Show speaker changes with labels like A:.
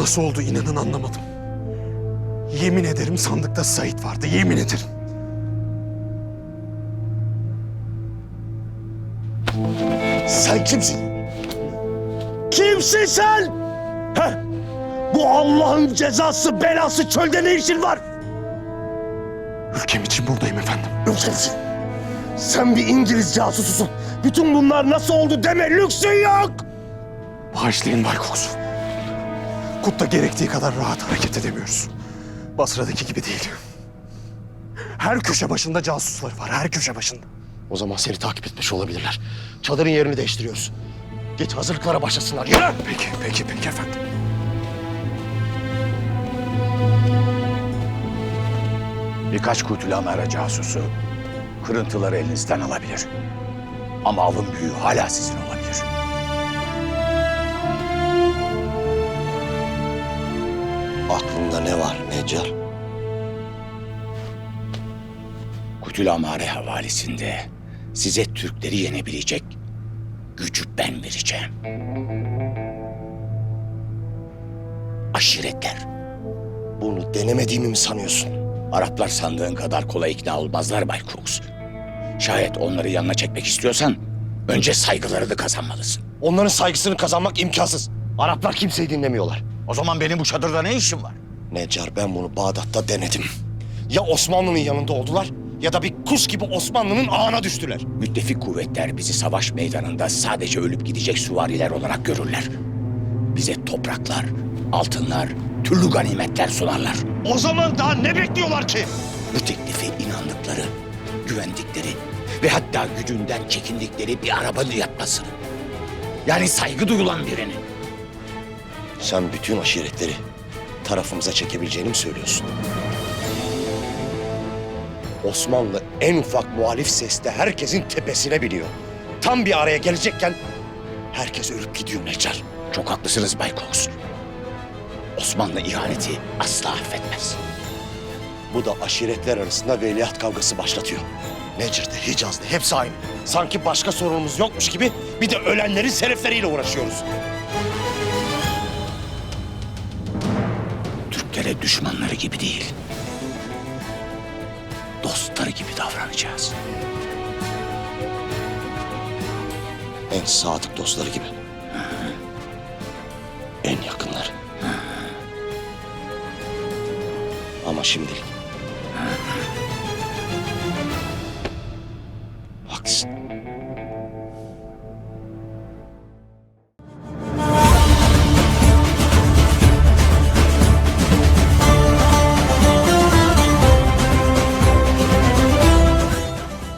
A: Nasıl oldu inanın anlamadım. Yemin ederim sandıkta Sait vardı, yemin ederim.
B: Sen kimsin? Kimsin sen? Heh? Bu Allah'ın cezası, belası çölde ne işin var?
A: Ülkem için buradayım efendim.
B: Ülkemsin. Sen bir İngiliz casususun. Bütün bunlar nasıl oldu deme lüksün yok.
A: Bağışlayın Bay Cox. Kut'ta gerektiği kadar rahat hareket edemiyoruz. Basra'daki gibi değil. Her köşe başında casuslar var, her köşe başında.
B: O zaman seni takip etmiş olabilirler. Çadırın yerini değiştiriyoruz. Git hazırlıklara başlasınlar. Yürü!
A: Peki efendim.
C: Birkaç kuytulamera casusu kırıntıları elinizden alabilir. Ama avın büyüğü hala sizin olabilir.
B: Aklında ne var Necar?
C: Kuytulamare havalisinde size Türkleri yenebilecek gücü ben vereceğim. Aşiretler.
B: Bunu denemediğimi mi sanıyorsun?
C: Araplar sandığın kadar kolay ikna olmazlar Bay Cox. Şayet onları yanına çekmek istiyorsan önce saygılarını kazanmalısın.
B: Onların saygısını kazanmak imkansız. Araplar kimseyi dinlemiyorlar.
C: O zaman benim bu çadırda ne işim var?
B: Necar, ben bunu Bağdat'ta denedim. Ya Osmanlı'nın yanında oldular ya da bir kuş gibi Osmanlı'nın ağına düştüler.
C: Müttefik kuvvetler bizi savaş meydanında sadece ölüp gidecek süvariler olarak görürler. Bize topraklar, altınlar, türlü ganimetler sunarlar.
B: O zaman daha ne bekliyorlar ki?
C: Bu teklifi inandıkları, güvendikleri ve hatta gücünden çekindikleri bir arabanın yapmasını. Yani saygı duyulan birini.
B: Sen bütün aşiretleri tarafımıza çekebileceğini mi söylüyorsun? Osmanlı en ufak muhalif seste herkesin tepesine biniyor. Tam bir araya gelecekken herkes ölüp gidiyor Necar.
C: Çok haklısınız Bay Cox. Osmanlı ihaneti asla affetmez.
B: Bu da aşiretler arasında veliaht kavgası başlatıyor. Necir'de, Hicaz'da hepsi aynı. Sanki başka sorunumuz yokmuş gibi bir de ölenlerin selefleriyle uğraşıyoruz.
C: Türklere düşmanları gibi değil, dostları gibi davranacağız.
B: En sadık dostları gibi. En yakınları. Ama şimdilik